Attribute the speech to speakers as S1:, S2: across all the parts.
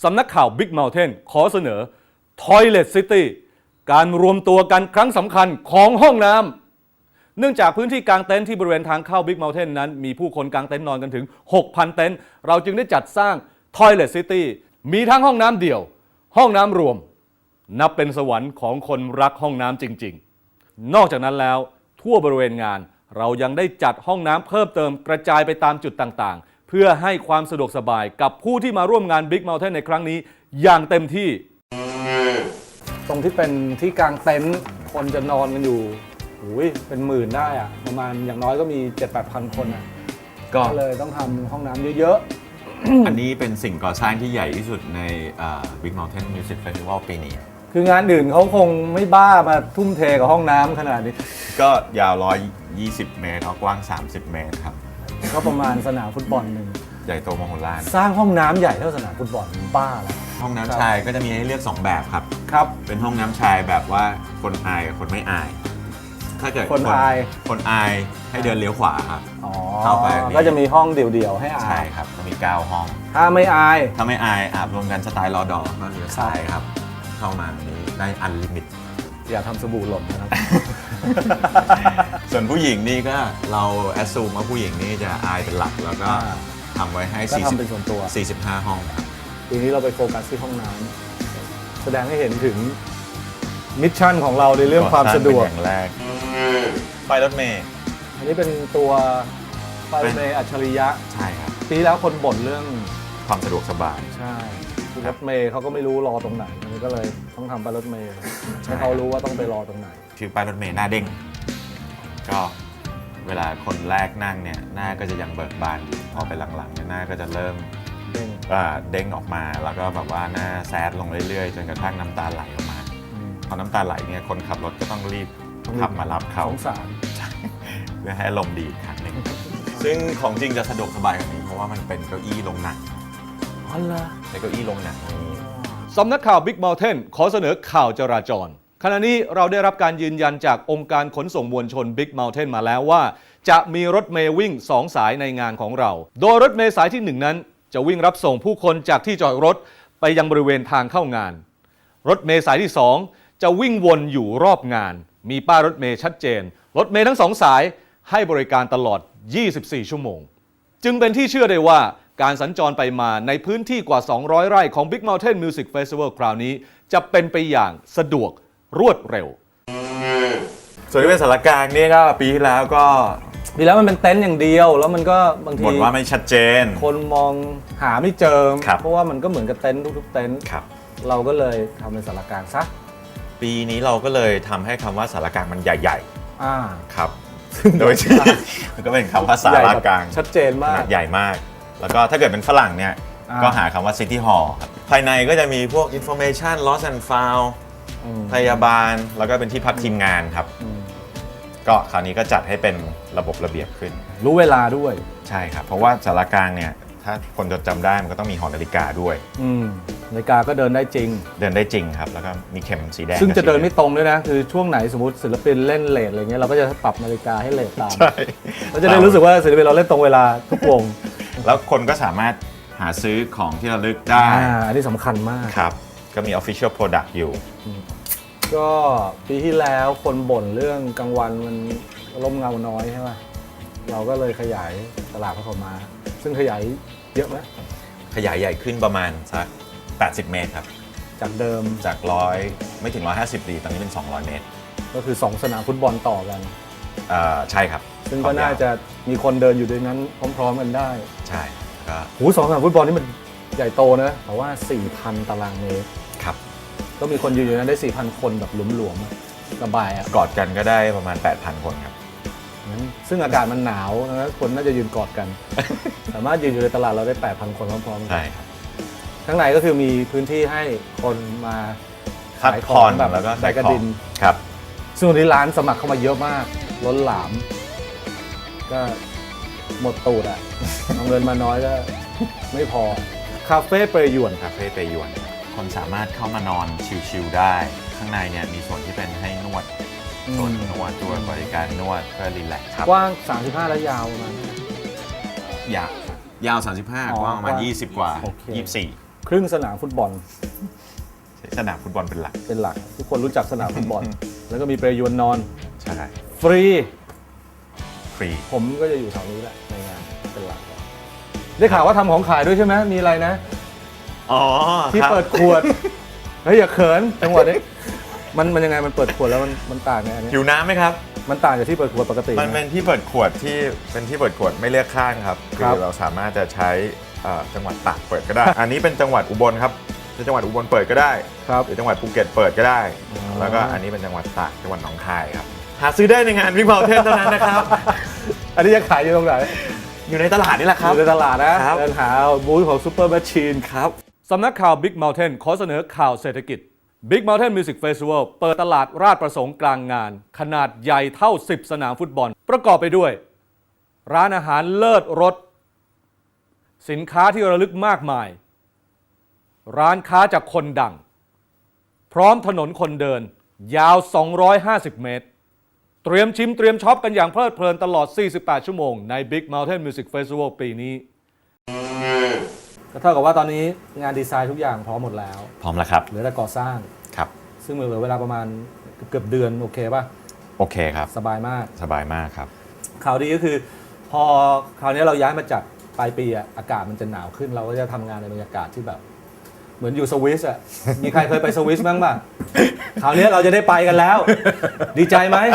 S1: สำนักข่าว Big Mountain ขอเสนอ Toilet City การรวมตัวกันครั้งสำคัญของห้องน้ำเนื่องจากพื้นที่กางเต็นท์ที่บริเวณทางเข้า Big Mountain นั้นมีผู้คนกางเต็นท์นอนกันถึง 6,000 เต็นท์เราจึงได้จัดสร้าง Toilet City มีทั้งห้องน้ำเดี่ยวห้องน้ำรวมนับเป็นสวรรค์ของคนรักห้องน้ำจริงๆนอกจากนั้นแล้วทั่วบริเวณงานเรายังได้จัดห้องน้ำเพิ่มเติมกระจายไปตามจุดต่างๆเพื่อให้ความสะดวกสบายกับผู้ที่มาร่วมงาน Big Mountain ในครั้งนี้อย่างเต็มที่ตรงที่เป็นที่กางเต็นท์คนจะนอนกันอยู่เป็นหมื่นได้อะประมาณอย่างน้อยก็มี 7-8,000 คนอะก็เลยต้องทำห้องน้ำเยอะ
S2: อันนี้เป็นสิ่งก่อสร้างที่ใหญ่ที่สุดใน Big Mountain Music Festival ปีนี้
S1: คืองานอื่นเขาคงไม่บ้ามาทุ่มเทกับห้องน้ำขนาดนี้
S2: ก็ยาว120 เมตรกว้าง30 เมตรครับ
S1: ก็ประมาณสนามฟุตบอลหนึ่ง
S2: ใหญ่โตมโหฬาร
S1: สร้างห้องน้ำใหญ่เท่าสนามฟุตบอลบ้าแล้ว
S2: ห้องน้ำชายก็จะมีให้เลือก2แบบครับเป็นห้องน้ำชายแบบว่าคนอายกับคนไม่อายถ้าเกิดคนอายให้เดินเลี้ยวขวาครับ
S1: เข้าไปก็จะมีห้องเดี่ยวๆให้อาบ
S2: ใช่ครับก็มี9ห้อง
S1: ถ้าไม่อาย
S2: อาบรวมกันสไตล์รอดอก็เลี้ยวซ้ายครับเข้ามานี้ได้อันลิมิต
S1: อย่าทำสบู่หล่นนะครับ
S2: ส่วนผู้หญิงนี่ก็เราแอสซูมว่าผู้หญิงนี่จะอายเป็นหลักแล้วก็ทำไว้ให้45 ห้อง
S1: ทีนี้เราไปโฟกัสที่ห้องน้ำแสดงให้เห็นถึงมิชชั่นของเราในเรื่องความสะดวก
S2: อย่างแรกป้ายรถเมล์
S1: อันนี้เป็นตัวป้ายรถเมล์อัจฉริยะ
S2: ใช่ครับ
S1: ปีแล้วคนบ่นเรื่อง
S2: ความสะดวกสบาย
S1: ใช่รถเมล์เขาก็ไม่รู้รอตรงไหนมันก็เลยต้องทำป้ายรถเมล์ให้เขารู้ว่าต้องไปรอตรงไหน
S2: คือป้ายรถเมล์หน้าเด้งก็เวลาคนแรกนั่งเนี่ยหน้าก็จะยังเบิกบานอยู่พอไปหลังๆเนี่ยหน้าก็จะเริ่มเด้งออกมาแล้วก็แบบว่าหน้าแซดลงเรื่อยๆจนกระทั่งน้ำตาไหลออกมาพอน้ำตาไหลเนี่ยคนขับรถก็ต้องรีบขับมารับเขา
S1: สงสาร
S2: เพื่อให้ลมดีครั้งหนึ่งซึ่งของจริงจะสะดวกสบายกว่านี้เพราะว่ามันเป็นเก้าอี้ลงหนังในเก้าอี้ลงหนังนี้
S1: สำนักข่าว Big Mountain ขอเสนอข่าวจราจรขณะนี้เราได้รับการยืนยันจากองค์การขนส่งมวลชน Big Mountain มาแล้วว่าจะมีรถเมล์วิ่ง2 สายในงานของเราโดยรถเมล์สายที่1นั้นจะวิ่งรับส่งผู้คนจากที่จอดรถไปยังบริเวณทางเข้างานรถเมล์สายที่2จะวิ่งวนอยู่รอบงานมีป้ายรถเมล์ชัดเจนรถเมล์ทั้ง2 สายให้บริการตลอด24 ชั่วโมงจึงเป็นที่เชื่อได้ว่าการสัญจรไปมาในพื้นที่กว่า200 ไร่ของ Big Mountain Music Festival คราวนี้จะเป็นไปอย่างสะดวกรวดเร็ว
S2: ส่วนที่เป็นสารกลางนี่ก็ปีที่แล้ว
S1: มันเป็นเต็นท์อย่างเดียวแล้วมันก็บางที
S2: บ่นว่าไม่ชัดเจน
S1: คนมองหาไม่เจอเพราะว่ามันก็เหมือนกับเต็นท์ทุกๆเต็นท์เราก็เลยทำเป็นสารกลางซะ
S2: ปีนี้เราก็เลยทำให้คำว่าสารกลางมันใหญ่ๆครับโดยที่มันก็เป็นคำว่าสารกลาง
S1: ชัดเจนมาก
S2: ใหญ่มากแล้วก็ถ้าเกิดเป็นฝรั่งเนี่ยก็หาคำว่า City Hall ครับภายในก็จะมีพวก Information Lost and Found พยาบาลแล้วก็เป็นที่พักทีมงานครับก็คราวนี้ก็จัดให้เป็นระบบระเบียบขึ้น
S1: รู้เวลาด้วย
S2: ใช่ครับเพราะว่าสารกลางเนี่ยถ้าคนจดจำได้มันก็ต้องมีหอนาฬิกาด้วย
S1: นาฬิกาก็เดินได้จริง
S2: ครับแล้วก็มีเข็มสีแดง
S1: ซึ่งจะเดินไม่ตรงด้วยนะคือช่วงไหนสมมติศิลปินเล่นเลทอะไรเงี้ยเราก็จะปรับนาฬิกาให้เลทตาม
S2: ใช่
S1: เราจะได้รู้สึกว่าศิลปินเราเล่นตรงเวลาทุกวง
S2: แล้วคนก็สามารถหาซื้อของที่ระลึกได้
S1: อันนี้สำคัญมาก
S2: ครับก็มี Official Product อยู่
S1: ก็ปีที่แล้วคนบ่นเรื่องกลางวันมันร่มเงาน้อยใช่ไหมเราก็เลยขยายตลาดพระขาวม้าซึ่งขยายเยอะไหม
S2: ขยายใหญ่ขึ้นประมาณสัก80 เมตรครับ
S1: จากเดิม
S2: จาก100ไม่ถึง150ดีตอนนี้เป็น200 เมตร
S1: ก็คือ2 สนามฟุตบอลต่อกัน
S2: ใช่ครับ
S1: ซึ่งก็น่าจะมีคนเดินอยู่ด้วยนั้นพร้อมๆกันได้
S2: ใช่ก็
S1: 2 สนามฟุตบอลนี่มันใหญ่โตนะแต่ว่า 4,000 ตารางเมตร
S2: ครับ
S1: ก็มีคนยืนอยู่นั้นได้ 4,000 คนแบบหลวมๆสบาย
S2: กอดกันก็ได้ประมาณ 8,000 คนครับ
S1: ซึ่งอากาศมันหนาวนะคนน่าจะยืนกอดกันสามารถยืนอยู่ในตลาดเราได้ 8,000 คนพร้อมๆกัน
S2: ใช่ครับ
S1: ข้างในก็คือมีพื้นที่ให้คนมา
S2: ขายของแบบ
S1: แล้วก็
S2: ขาย
S1: กระดิน
S2: ครับ
S1: ซึ่งวันนี้ร้านสมัครเข้ามาเยอะมากล้นหลามก็หมดตูดอ่ะเอาเงินมาน้อยก็ไม่พอคาเฟ่เปรยวน
S2: คนสามารถเข้ามานอนชิลๆได้ข้างในเนี่ยมีส่วนที่เป็นให้นวดส่วนนวดตัวบริการนวดเพื่อรีแลกซ์
S1: กว้าง35และยาวประมาณ
S2: ยาว35กว้างประมาณ20 กว่า24
S1: ครึ่งสนามฟุตบอล
S2: สนามฟุตบอลเป็นหลัก
S1: เป็นหลัก ทุกคนรู้จักสนามฟุตบอล แล้วก็มีเปรยวนนอน
S2: ใช่
S1: ฟรี
S2: ฟรี
S1: ผมก็จะอยู่แถวนี้แหละในงานเป็นหลัก ได้ข่าวว่าทำของขายด้วยใช่ไหมมีอะไรนะ
S2: อ๋อ
S1: ที่
S2: ครับ
S1: เปิดขวด เฮ้ยอย่าเขินจังหวะนี้มันยังไงมันเปิดขวดแล้วมันต่างไงอันนี้
S2: หิวน้ำไหมครับ
S1: มันต่างจากที่เปิดขวดปกติ
S2: มันเป็นที่เปิดขวดที่เป็นที่เปิดขวดไม่เลือกข้างครับ
S1: ครับ
S2: เราสามารถจะใช้จังหวัดตากเปิดก็ได้ อันนี้เป็นจังหวัดอุบลครับจังหวัดอุบลเปิดก็ได้
S1: ครับ
S2: หรือจังหวัดภูเก็ตเปิดก็ได้
S1: อ๋อ
S2: แล้วก็อันนี้เป็นจังหวัดตากจังหวัดหนองคายครับหาซื้อได้ในงานBig Mountainเท่านั้นนะครับ
S1: อันนี้จะขายอยู่ตรงไหน
S2: อยู่ในตลาดนี่แหละครับ
S1: อยู่ในตลาดนะครับ เดินหาบูธของซูเปอร์แมชชีน
S2: ครับ
S1: สำนักข่าว Big Mountain ขอเสนอข่าวเศรษฐกิจ Big Mountain Music Festival เปิดตลาดราชประสงค์กลางงาน ขนาดใหญ่เท่า 10 สนามฟุตบอล ประกอบไปด้วย ร้านอาหารเลิศรสสินค้าที่ระลึกมากมาย ร้านค้าจากคนดัง พร้อมถนนคนเดิน ยาว 250 เมตร เตรียมชิมเตรียมช็อปกันอย่างเพลิดเพลินตลอด 48 ชั่วโมงใน Big Mountain Music Festival ปีนี้ก็เท่ากับว่าตอนนี้งานดีไซน์ทุกอย่างพร้อมหมดแล้ว
S2: พร้อมแล้วครับ
S1: เหลือแต่ก่อสร้าง
S2: ครับ
S1: ซึ่งเหลือเวลาประมาณเกือบเดือนโอเคป่ะ
S2: โอเคครับ
S1: สบายมาก
S2: สบายมากครับ
S1: ข่าวดีก็คือพอคราวนี้เราย้ายมาจัดปลายปีอะอากาศมันจะหนาวขึ้นเราก็จะทำงานในบรรยากาศที่แบบ เหมือนอยู่สวิสอะ มีใครเคยไปสวิสบ้างป่ะ คราวนี้เราจะได้ไปกันแล้ว ดีใจไหม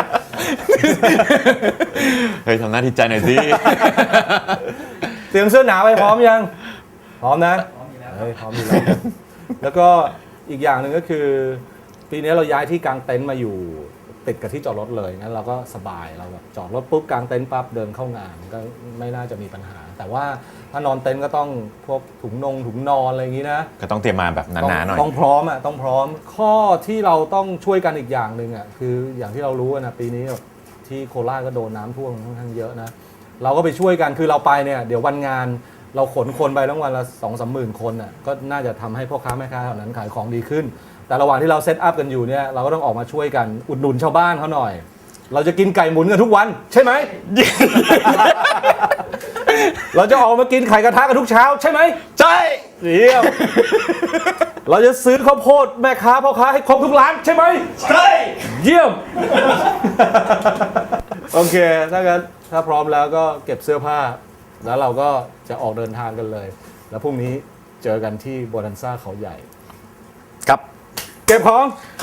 S2: เฮ้ยทำหน้าที่ใจหน่อยสิ
S1: เตรียมเสื้อหนาวไปพร้อมยัง พร้อมนะพร้อมอยู่แล้วพร้อมอยู่แล้ว แล้วก็อีกอย่างหนึ่งก็คือ ปีนี้เราย้ายที่กางเต็นท์มาอยู่ติดกับที่จอดรถเลยงั้นเราก็สบายเราแบบจอดรถปุ๊บกางเต็นท์ปั๊บเดินเข้างานก็ไม่น่าจะมีปัญหา แต่ว่าถ้านอนเต็นท์ก็ต้องพวกถุงนอนอะไรอย่างนี้นะ
S2: ก็ต้องเตรียมมาแบบหนาๆหน่อย
S1: ต้องพร้อมอ่ะต้องพร้อมข้อที่เราต้องช่วยกันอีกอย่างหนึ่งอ่ะคืออย่างที่เรารู้นะปีนี้แบบที่โคราชก็โดนน้ำท่วมค่อนข้างเยอะนะเราก็ไปช่วยกันคือเราไปเนี่ยเดี๋ยววันงานเราขนคนไปทั้งวันละ 2-3 หมื่นคนอ่ะก็น่าจะทำให้พ่อค้าแม่ค้าแถวนั้นขายของดีขึ้น แต่ระหว่างที่เราเซตอัพกันอยู่เนี่ยเราก็ต้องออกมาช่วยกันอุดหนุนชาวบ้านเขาหน่อย เราจะกินไก่หมุนกันทุกวันใช่ไหม เราจะออกมากินไข่กระทะกันทุกเช้าใช่ไหม
S2: ใช่
S1: เยี่ยม เราจะซื้อข้าวโพดแม่ค้าพ่อค้าให้ครบทุกร้านใช่ไหม
S2: ใช่
S1: เยี่ยม โอเคถ้างั้นถ้าพร้อมแล้วก็เก็บเสื้อผ้า แล้วเราก็จะออกเดินทางกันเลย แล้วพรุ่งนี้เจอกันที่โบนันซ่าเขาใหญ่
S2: ครับ
S1: เก็บของไป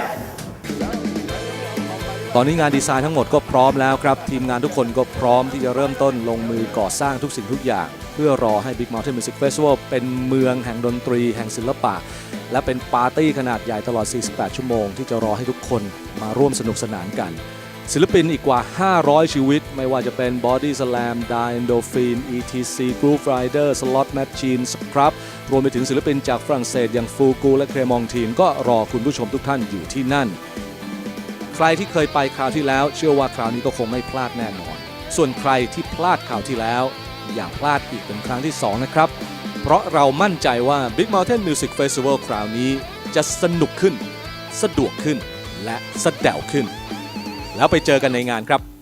S1: ตอนนี้งานดีไซน์ทั้งหมดก็พร้อมแล้วครับ ทีมงานทุกคนก็พร้อมที่จะเริ่มต้นลงมือก่อสร้างทุกสิ่งทุกอย่าง เพื่อรอให้ Big Mountain Music Festival เป็นเมืองแห่งดนตรีแห่งศิลปะ และเป็นปาร์ตี้ขนาดใหญ่ตลอด 48 ชั่วโมงที่จะรอให้ทุกคนมาร่วมสนุกสนานกัน ศิลปินอีกกว่า 500 ชีวิต ไม่ว่าจะเป็น Body Slam, Die Endorphin, ETC, Groove Rider, Slot Machine, Scrub รวมไปถึงศิลปินจากฝรั่งเศสอย่างฟูกูและเครมองทีนก็รอคุณผู้ชมทุกท่านอยู่ที่นั่น ใครที่เคยไปคราวที่แล้วเชื่อว่าคราวนี้ก็คงไม่พลาดแน่นอน ส่วนใครที่พลาดคราวที่แล้วอย่าพลาดอีกเป็นครั้งที่ 2 นะครับ เพราะเรามั่นใจว่า Big Mountain Music Festival คราวนี้จะสนุกขึ้น สะดวกขึ้น และสะแดวขึ้น แล้วไปเจอกันในงานครับ